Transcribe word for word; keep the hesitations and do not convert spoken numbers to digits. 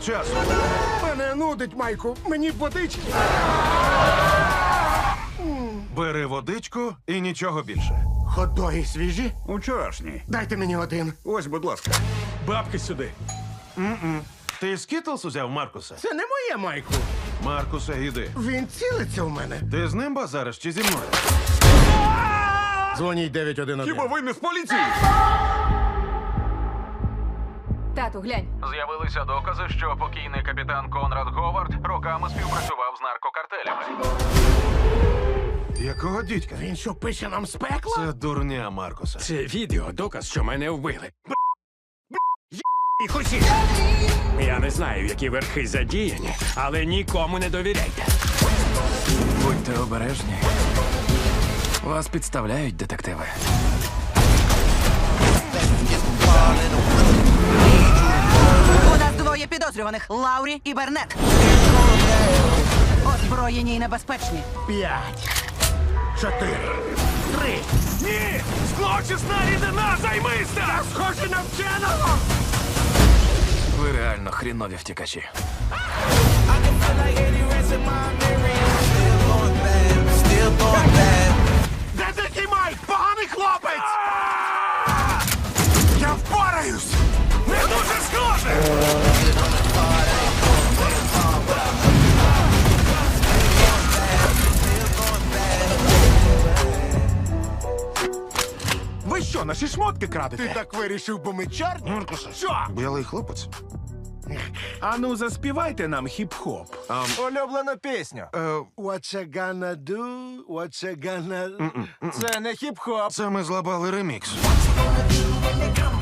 часу. Мене нудить, Майку. Мені б водички. Бери водичку і нічого більше. Ходоги свіжі? Учорашній. Дайте мені один. Ось, будь ласка. Бабки сюди. Ти скітлс узяв, Маркуса? Це не моє, Майку. Маркуса, іди. Він цілиться в мене. Ти з ним базариш чи зі мною? Дзвоніть дев'ять один один. Хіба ви не з поліції? Тату, глянь. З'явилися докази, що покійний капітан Конрад Говард роками співпрацював з наркокартелями. Якого дідька? Він що, пише нам з пекла? Це дурня, Маркуса. Це відео доказ, що мене вбили. І хусі. Я не знаю, які верхи задіяні, але нікому не довіряйте. Будьте обережні. Вас підставляють, детективи. У нас двоє підозрюваних – Лаурі і Бернет. Озброєні і небезпечні. П'ять. Чотири. Три. Ні! Злочисна рідина, займися! Я схожий на вченого! Ви реально хрінові втікачі. Де такий Майк? Поганий хлопець! Я впораюсь! Не дуже схоже! Ви що, наші шмотки крадете? Ти так вирішив, бо ми чорні? Маркуса. Що? Білий хлопець. Ану, заспівайте нам хіп-хоп. Улюблена пісня. Е, What you gonna do? What you gonna... Це не хіп-хоп. це ми злабали ремікс. Gonna do when they come